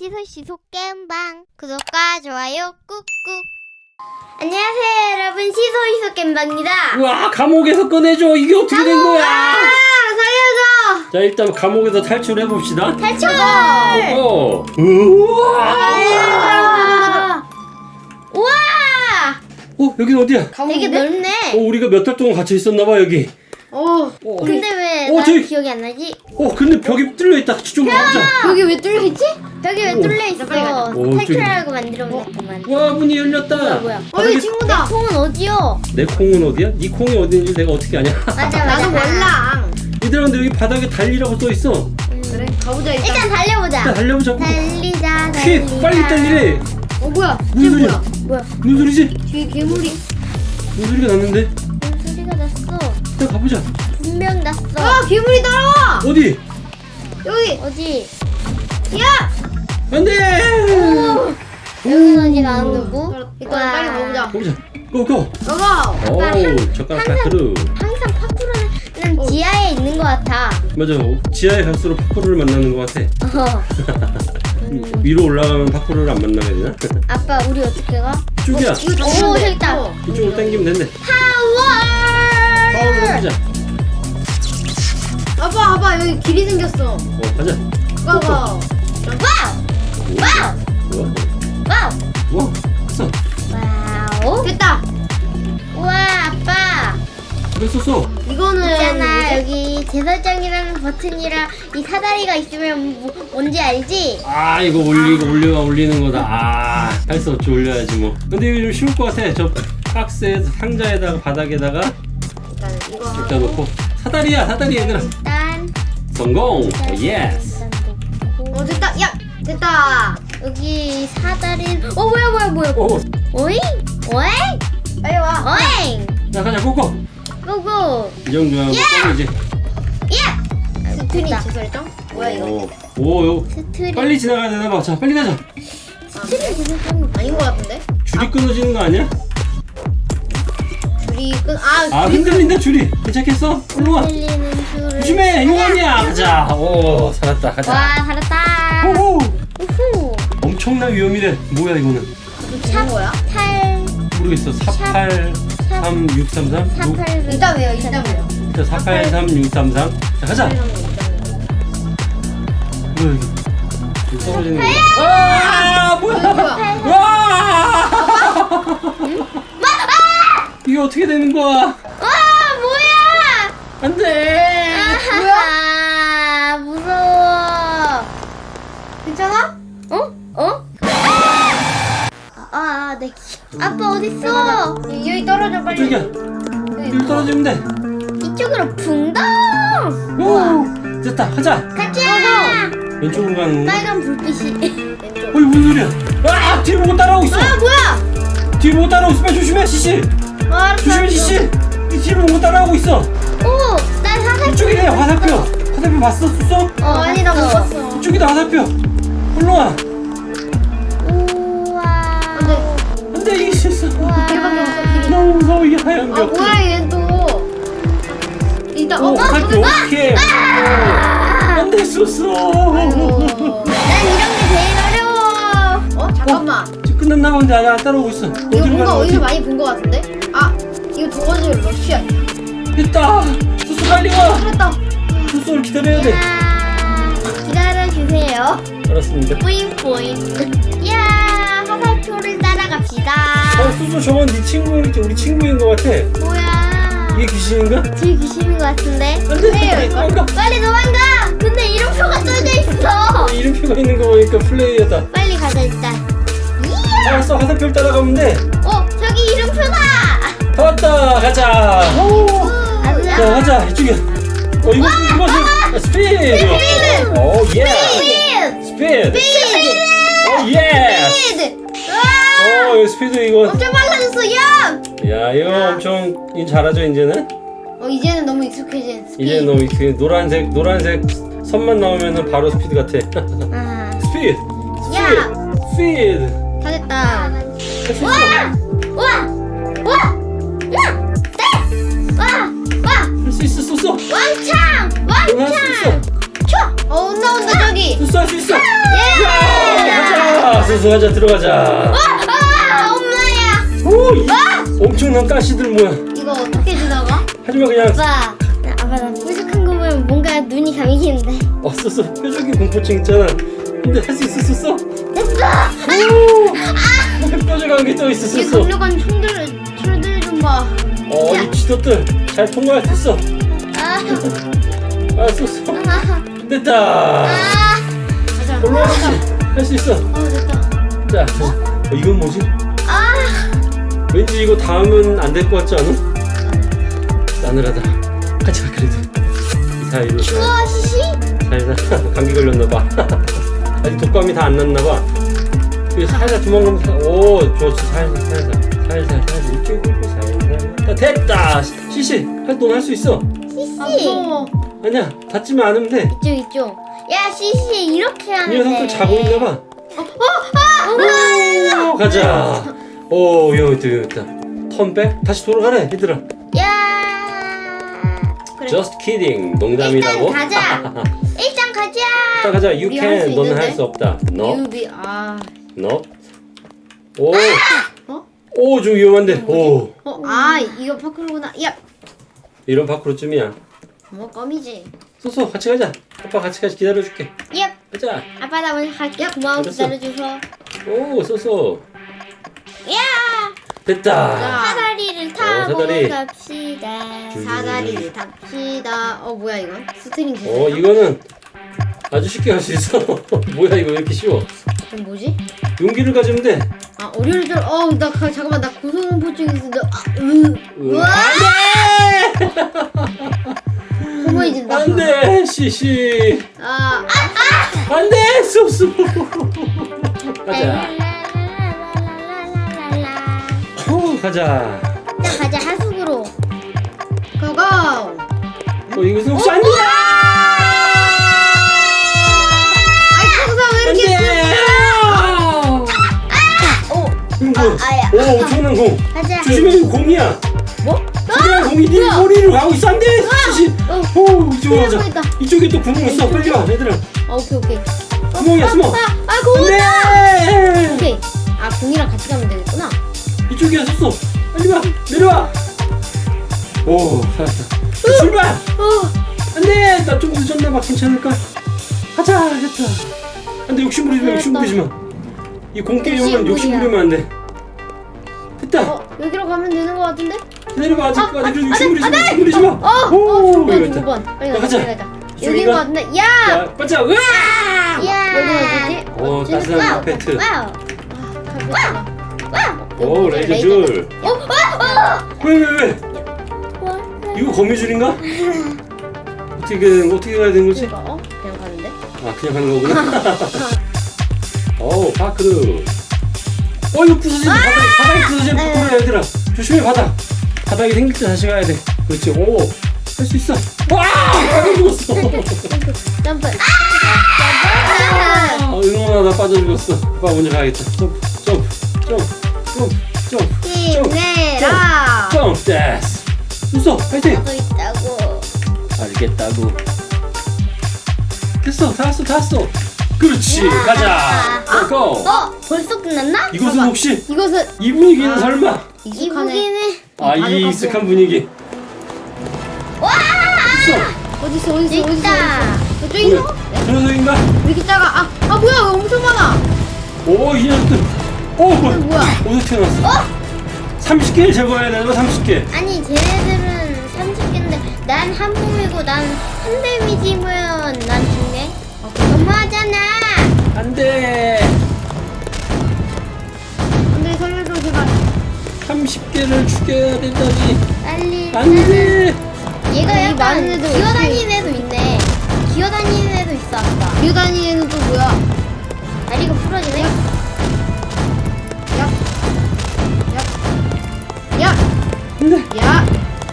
시소시소 겜방 구독과 좋아요 꾹꾹. 안녕하세요 여러분, 시소시소 겜방입니다. 우와, 감옥에서 꺼내줘. 이게 어떻게 된 거야? 살려줘. 자, 일단 감옥에서 탈출해 봅시다. 탈출. 우와. 우와. 여긴 어디야? 되게 넓네. 우리가 몇 달 동안 갇혀 있었나봐 여기. 근데 왜 어, 나 저기. 기억이 안 나지? 근데 벽이 뚫려 있다. 좀 가보자. 여기 왜 뚫려있지? 벽이 왜 뚫려 있어? 오, 탈출하라고 만들어 놓았구만. 와, 문이 열렸다. 뭐야? 여기 친구다. 콩은 어디요? 내 콩은 어디야? 네 콩이 어디인지 내가 어떻게 아냐? 맞아. 나도 몰라. 얘들아, 근데 여기 바닥에 달리라고 써 있어. 그래, 가보자 일단. 일단 달려보자. 일단 달려보자. 달리자. 퀴, 빨리 달리래. 뭐야? 무슨 소리야? 뭐야? 무슨 소리지? 뒤에 괴물이. 무슨 소리가 났는데? 무슨 소리가 났어? 일단 가보자. 분명 났어. 괴물이 따라와. 어디? 여기. 어디? 야. 안돼. 여기는 어디 나온 거고? 일단 빨리 가보자. 가보자. 고고. 가봐. 오, 젓가락 파크루. 항상 파쿠르는 지하에 있는 것 같아. 맞아. 지하에 갈수록 파쿠르를 만나는 것 같아. 위로 올라가면 파쿠르를 안 만나게 되나? 아빠 우리 어떻게 가? 이쪽이야. 이거 다 오, 치면 돼. 저기 있다. 이쪽으로 당기면 된대. 파워! 가보자. 아빠, 봐봐. 여기 길이 생겼어. 가자. 봐봐. 와우! 우와. 와우! 우와. 됐어. 와우! 됐다. 우와 아빠! 됐었어. 이거는 있잖아 뭐지? 여기 재설정이라는 버튼이랑 이 사다리가 있으면 뭔지 알지? 이거 올리는 거다. 할 수 없지, 올려야지 뭐. 근데 이거 좀 쉬울 것 같아. 저 박스에 상자에다가 바닥에다가 일단 이거. 일단 놓고 사다리 얘들아. 일단 성공. 예스. 일단 놓고. 됐다. 야, 됐다. 여기 사다리 뭐야 오. 오잉? 오잉? 빨리 와. 오잉! 자, 가자. 고고. 고고! 이 정도면 껌이지. 예! 스크린 됐다. 재설정? 뭐야 이거? 오. 스트리 빨리 지나가야 되나 봐. 자, 빨리 가자. 스트리 재설정 아닌 것 같은데? 줄이 끊어지는 거 아니야? 줄이 흔들린다 줄이. 괜찮겠어? 일로 와. 들리는 줄을 조심해. 용암이야. 가자. 오, 살았다. 가자. 와 살았다. 오호. 우후. 엄청난 위험이래. 뭐야 이거는? 좋은 거야? 8 모르겠어. 483633. 48 일단 왜요? 일단 왜요? 483633. 자, 가자. 뭐야 이게? 이거 떨어지는 거. 뭐야? 와! 이게 어떻게 되는 거야? 와 뭐야? 안 돼. 뭐야? 무서워. 괜찮아? 어? 네. 아빠 어딨어? 여기 떨어져 빨리. 저기야. 여기 떨어지면 돼. 이쪽으로 붕덩. 오! 됐다. 가자. 가자. 왼쪽으로 가는 건가? 빨간 불빛이. 왼쪽. 무슨 소리야? 뒤에 보고 따라오고 있어. 뭐야? 뒤에 보고 따라오고 있어. 빨리 조심해, 시시. 조심해, 시시. 네 뒤에 보고 따라오고 있어. 오, 나 사살. 이쪽이래. 화살표. 화살표 봤어? 쏘? 아니 나 못 봤어. 이쪽이다. 화살표. 올라와. 우와. 안돼, 이게 실수. 길밖에 없어 길이. 너무 무서워, 이 하얀 벽. 뭐야 얘 또. 일단 오, 화살표. 오케이. 안돼, 쏘. 난 이런 게 제일 어려워. 잠깐만. 지금 끝났나 본데 아직 안 따라오고 있어. 이거 어디로 뭔가 가는 어디서 거지? 많이 본 거 같은데? 이거 저거지 러시아. 됐다. 쏘 빨리 와. 그랬다. 쏘를 기다려야 돼. 야, 기다려주세요. 알았습니다. 뿌잉뿌잉. 야, 화살표를 따라갑시다. 쏘 저건 네 친구인지 우리 친구인 것 같아. 뭐야? 이게 귀신인가? 뒤에 귀신인 것 같은데? 안돼. 도망가. 빨리 도망가! 근데 이름표가 써져 있어! 이름표가 있는 거 보니까 플레이어다. 빨리 가자, 일단. 이야! 알았어, 화살표를 따라가면 돼. 저기 이름표다! 다 왔다. 가자. 가자. 자, 가자. 이쪽이야. 이것은 스피드. 오, 예. 스피드. 오, 예. 스피드! 이거 스피드 이거. 엄청 빨라졌어 야. 야, 이거 엄청 잘하죠 이제는. 이제는 너무 익숙해진 스피드. 이제 너무 노란색 선만 나오면은 바로 스피드 같아. 스피드. 야! 스피드. 다 됐다. 할수 있어. 와! 할 수 있어. 쏘. 왕창! 할 수 있어. 왕창! 온다 저기. 쏘, 할 수 있어. 예! 자, 소소 가자. 들어가자. 엄마야. 오, 이 엄청난 가시들 뭐야? 이거 어떻게 지나가? 하지만 그냥 아빠 나 뾰족한 거 보면 뭔가 눈이 감기는데. 소소 뾰족이 공포증 있잖아. 근데 할 수 있었어? 됐어. 오, 뾰족한 게 또 이 있었어. 강력한 철들 좀 봐. 이 지도들 잘 통과할 수 있어. 소소 됐다. 가자. 올라가지. 할 수 있어. 됐다. 자, 이건 뭐지? 왠지 이거 닿으면 안 될 것 같지 않아? 싸늘하다. 같이 가 그래도. 이 사이로 우와 시시. 살살 감기 걸렸나봐. 아직 독감이 다 안 났나봐. 이거 살살 도망가면 오 좋았어. 살살 이렇게 굴고 살살. 자, 됐다. 시시 넌 할 수 있어. 아 시시. 무서워. 아니야 다치면 안 하면 돼. 이쪽. 야 시시 이렇게 이 하는데. 녀석들 자고 있나봐. 오, 가자. 오 위험했다. 턴백 다시 돌아가래 얘들아. 야. 그래. Just kidding. 농담이라고. 일단 가자. 일단 가자. 자, 가자. You 우리 할수 can. 너는 할 있는데? 수 없다. No. 유비 No. 오. 어? 오, 좀 위험한데. 오. 이거 파크로구나. 야. 이런 밖으로쯤이야. 뭐 껌이지. 소소 같이 가자. 아빠 같이 기다려줄게. 야. 가자. 아빠 나 먼저 갈게. 고마워 알았어. 기다려줘서. 오, 소소. 야. 됐다. 자. 사다리를 타고 사다리. 갑시다. 사다리를 탑시다. 뭐야 이거? 스트링 제작. 이거는 아주 쉽게 할 수 있어. 뭐야 이거 왜 이렇게 쉬워? 이건 뭐지? 용기를 가지면 돼. 어려울 줄. 잠깐만 나 고소공포증 있는데. 우와. 고마워진다. 안돼, 시시. 안돼, 소소. 가자. 가자. 일단 가자 하숙으로. 고고. 이것은 혹시 안돼? 청사 왜 이렇게? 오, 엄청난 공. 가자. 조심해, 이거 공이야. 뭐? 조심해, 공이 네 머리로 가고 있어. 안돼, 시시. 오, 이쪽으로 가자. 있다. 이쪽에 또 구멍 있어. 빨리 와, 얘들아. 오케이. 구멍이야, 숨어. 공이다. 안돼. 오케이. 공이랑 같이 가면 되겠구나. 이쪽이야, 섰어. 빨리 와, 내려와. 오, 살았다. 출발. 안돼, 나 좀 늦었나봐. 괜찮을까? 가자, 됐다. 안돼, 욕심 부리지 마. 이 공 게임은 욕심 부리면 안 돼. 됐다. 여기로 가면 되는 것 같은데? 기다려봐, 아직 그래도 욕심 부리지 마. 오, 이거 있다. 2번. 빨리 가자. 가자. 이쪽인가? 여기인 것 같은데? 야! 자, 반짝. 으아! 야. 여기는 어디지? 따스한 페트. 와우. 와우. 오, 레이저 줄. 왜? 이거 거미줄인가? 어떻게 가야 되는 거지? 그냥 가는데? 그냥 가는 거구나. 오, 파크루. 이거 부서진다. 바닥이 부서지는 파크루야, 얘들아. 조심해, 바닥이 생길 때 다시 가야 돼. 그렇지. 오, 할 수 있어. 와! 빠져 죽었어. 점프. 응원하다 빠져 죽었어. 아빠 먼저 가야겠다. 점프. 힘내라. 점프. 됐어. 웃어, 파이팅. 또 있다고. 알겠다고. 됐어, 다 왔어. 그렇지, 가자. 고. 벌써 끝났나? 이것은 혹시 이것은 이 분위기는 설마? 이 익숙하네. 무기는 이 익숙한 분위기. 있어. 어딨어? 있다. 저기 있어? 저 녀석인가? 왜 이렇게 작아? 뭐야? 왜 엄청 많아? 오, 이 녀석들. 뭐야? 어디서 태어났어? 30개를 제거해야 되는 거 30개. 아니 쟤네들은 30개인데 난 한 몸이고 난 한 데미지면 난 죽네. 너무하잖아. 안 돼. 근데 살려줘 제발. 30개를 죽여야 된다니. 빨리. 안 돼. 얘가 많은 약간 애들 기어다니는 애도 있네. 기어다니는 애도 있어 아까. 기어다니는 또 뭐야? 다리가 부러지네. 야! 안 돼. 야!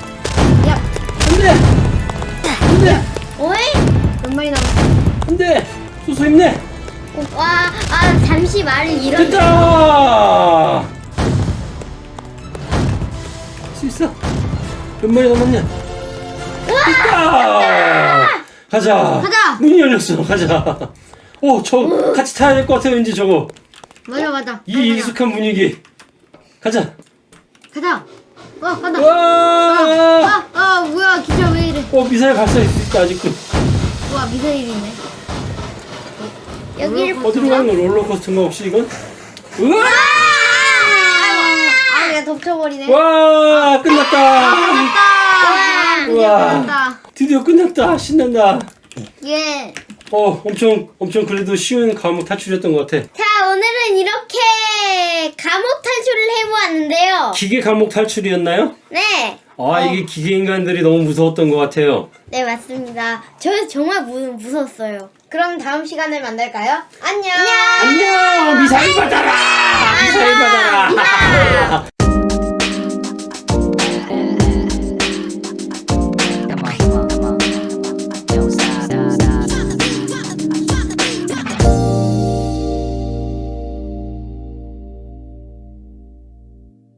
안 돼. 오이? 몇 마리 남았어? 안 돼. 소소 힘내. 와, 잠시 말을 잃었네. 됐다. 할 수 있어. 몇 마리 남았냐? 됐다. 가자. 가자. 문이 열렸어. 가자. 저 같이 타야 될 것 같아 왠지 저거. 맞아. 이 익숙한 분위기. 가자. 가자. 간다. 와! 뭐야 기차 왜 이래? 미사일 발사할 수 있다 아직도. 우와 미사일이네. 여기를 어디로 가는 거? 롤러코스터인가 혹시 이건? 우와! 그냥 덮쳐버리네. 와! 끝났다. 우와! 끝났다. 드디어 끝났다. 신난다. 예. 엄청 그래도 쉬운 과목 탈출이었던 것 같아. 자, 오늘은 이렇게 감옥 탈출을 해보았는데요. 기계 과목 탈출이었나요? 네. 이게 기계 인간들이 너무 무서웠던 것 같아요. 네, 맞습니다. 저 정말 무서웠어요. 그럼 다음 시간에 만날까요? 안녕. 안녕! 미사일 받아라! 미사일 받아라!